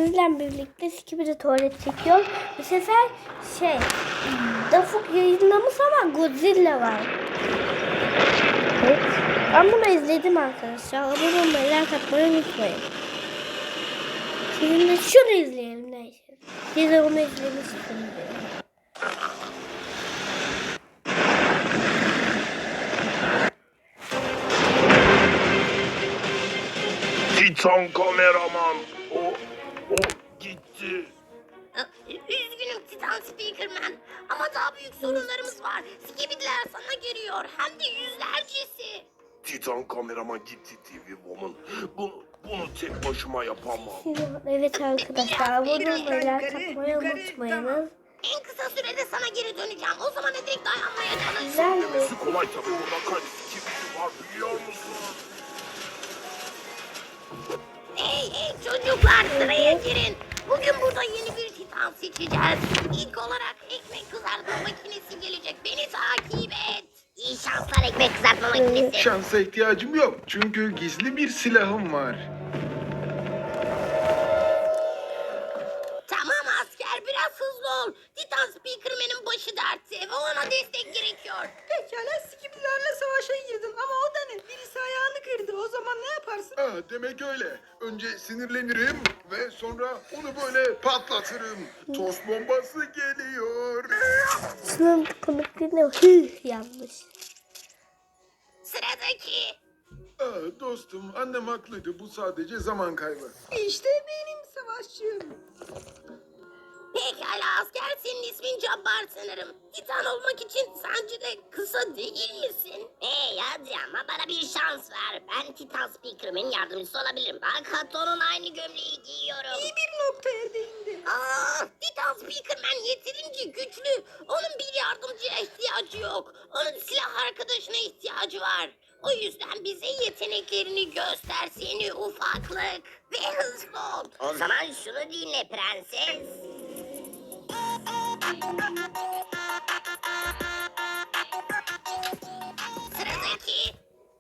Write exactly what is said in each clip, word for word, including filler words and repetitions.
sizlerle birlikte Skibidi tuvalet çekiyor. Bu sefer şey Dafuk yayınlamış ama Godzilla var. Evet. Ben bunu izledim arkadaşlar. Abone olmayı, like atmayı unutmayın. Şimdi de şunu izleyelim neyse. Siz de onu izlemişsiniz. Titan kameraman. O, o gitti. Üzgünüm Titan Speakerman ama daha büyük sorunlarımız var. Skibidiler sana geliyor hem de yüzlercesi. Titan kameraman gitti T V Woman. Bunu, bunu tek başıma yapamam. Evet arkadaşlar. Abone olmayı, like atmayı unutmayın. En kısa sürede sana geri döneceğim. O zamana dek dayanmaya çalışacağım. Güzel mi? Demesi kolay tabii. Burada kaç skibidi var biliyor musun? Hey hey çocuklar sıraya girin. Bugün burada yeni bir Titan seçeceğiz. İlk olarak ekmek kızartma makinesi gelecek. Beni takip et. İyi şanslar ekmek kızartma makinesi. Şansa ihtiyacım yok çünkü gizli bir silahım var. Tamam asker biraz hızlı ol. Titan Speakerman'ın başı dertte ve ona destek gerekiyor. Pekala Skibidilerle savaşa girdin ama o da ne? Birisi ayağını kırdı. O zaman ne yaparsın? Ha, demek öyle. Önce sinirlenirim ve sonra onu böyle patlatırım. Tost bombası geliyor. Şunun komikliğine hıh yanlış. Sıradaki. Aa, dostum annem haklıydı. Bu sadece zaman kaybı. İşte benim savaşçım. Pekala asker senin ismin Cabbar sanırım. Titan olmak için sence de kısa değil misin? Hey hadi ama bana bir şans ver. Ben Titan Speakerman'ın yardımcısı olabilirim. Bak hatta onun aynı gömleği giyiyorum. İyi bir noktaya değindi. Aa, Titan Speakerman yeterince güçlü. Onun bir yardımcıya ihtiyacı yok. Onun silah arkadaşına ihtiyacı var. O yüzden bize yeteneklerini göster seni ufaklık. Ve hızlı ol. O zaman şunu dinle prenses. Sıradaki.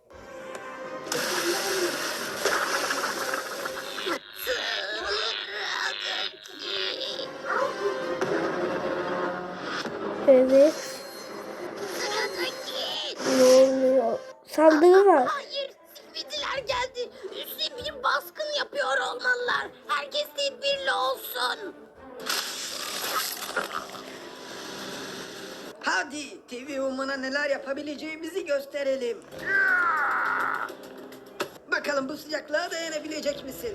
Sıradaki. Evet. Sıradaki. Ne oluyor? Sandığı var. Hayır, Skibidiler geldi. Üstüne bir baskın yapıyor olmalılar. Herkes tedbirli olsun. Hadi T V Woman'a neler yapabileceğimizi gösterelim. Bakalım bu sıcaklığa dayanabilecek misin?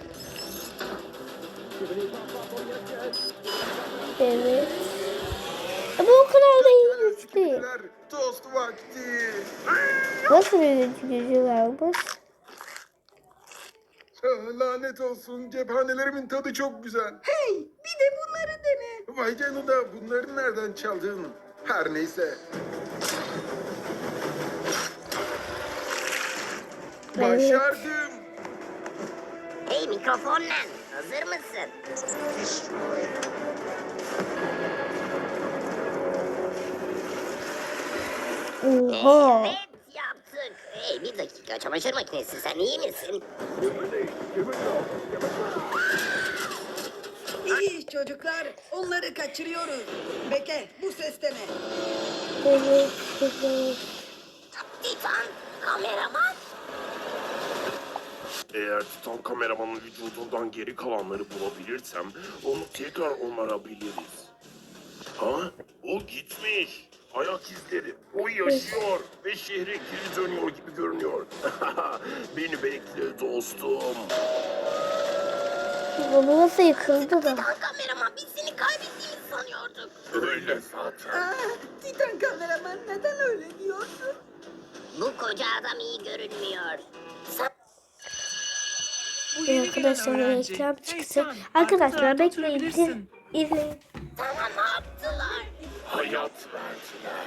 Evet. Ama o kadar da iyi Pekala, güç değil. Skibidiler, tost vakti. Nasıl bir gücü varmış? Ah, lanet olsun. Cephanelerimin tadı çok güzel. Hey bir de bunları dene. Vay canına bunları nereden çaldın? Her neyse. Başardım. Hey mikrofonla, hazır mısın? Oha. Evet yaptık. Hey bir dakika çamaşır makinesi sen iyi misin? İyi çocuklar onları kaçırıyoruz. Bekle bu ses de ne? Evet. Evet. Titan kameraman. Eğer Titan kameramanın vücudundan geri kalanları bulabilirsem onu tekrar onarabiliriz. Ha? O gitmiş. Ayak izleri. O yaşıyor ve şehre geri dönüyor gibi görünüyor. Beni bekle dostum. Bu nasıl yıkıldı da? Titan kameraman biz seni kaybettiğimizi sanıyorduk. Öyle zaten. Aa, Titan kameraman neden öyle diyorsun? Bu koca adam iyi görünmüyor. Sen Bu Ee, yeni gelen arkadaşlar öğrenci. reklam Hey çıktı. sen, arka Arkadaşlar tarafta bekleyin. oturabilirsin. İzleyin. sana ne yaptılar? Hayat verdiler.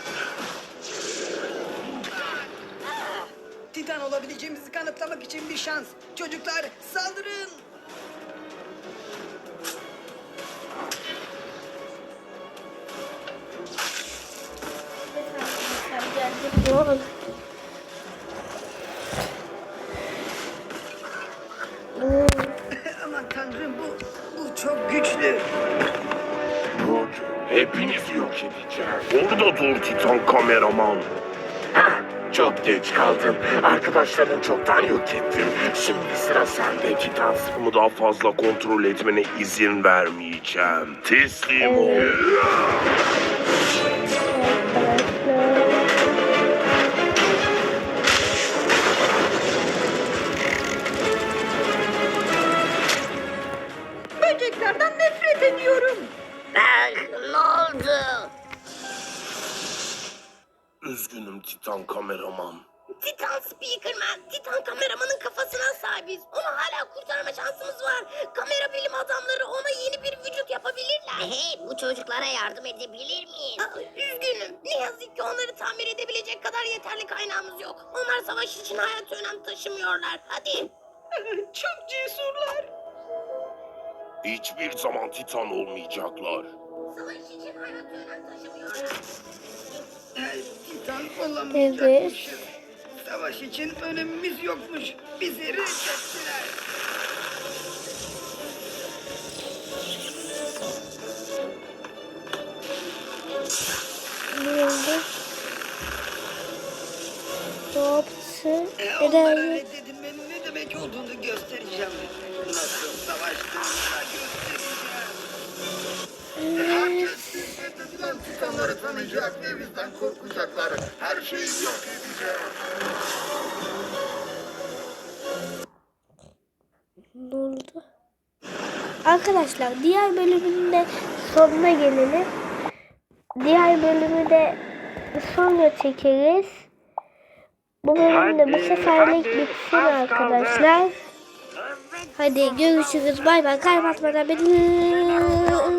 Titan olabileceğimizi kanıtlamak için bir şans. Çocuklar saldırın. Ne oldu? Aman tanrım bu çok güçlü. Bugün hepinizi yok edeceğim. Orada dur Titan kameraman. Hah, çok geç kaldın. Arkadaşlarını çoktan yok ettim. Şimdi sıra sende Titan. Bunu daha fazla kontrol etmene izin vermeyeceğim. Teslim ol. Evet. Arkadaşlar. Böceklerden nefret ediyorum. Ah, ne oldu? Üzgünüm Titan kameraman. Titan Speakerman, Titan kameramanın kafasına sahibiz. Onu hala kurtarma şansımız var. Kamera bilim adamları ona yeni bir vücut yapabilirler. Hey, bu çocuklara yardım edebilir miyiz? Aa, üzgünüm. Ne yazık ki onları tamir edebilecek kadar yeterli kaynağımız yok. Onlar savaş için hayat önem taşımıyorlar. Hadi. Çok cesurlar. Hiçbir zaman Titan olmayacaklar. Savaş için hayat önem taşımıyorlar. Titan olamayacakmışız. Evet. Savaş için önemimiz yokmuş. Bizi reddettiler. Ne oldu? Ne yaptı? E, onlara Neden? reddedilmenin ne demek olduğunu göstereceğim. Nasıl savaştığımızı göstereceğim. Herkes biz reddedilen titanları tanıyacak ve bizden korkacaklar. Her şeyi yok edeceğiz. Ne oldu? Arkadaşlar diğer bölümün de sonuna gelelim. Diğer bölümü de sonra çekeriz. Bu bölümde bu seferlik bitsin arkadaşlar. Hadi görüşürüz. Bay bay. Kaybetmeden beni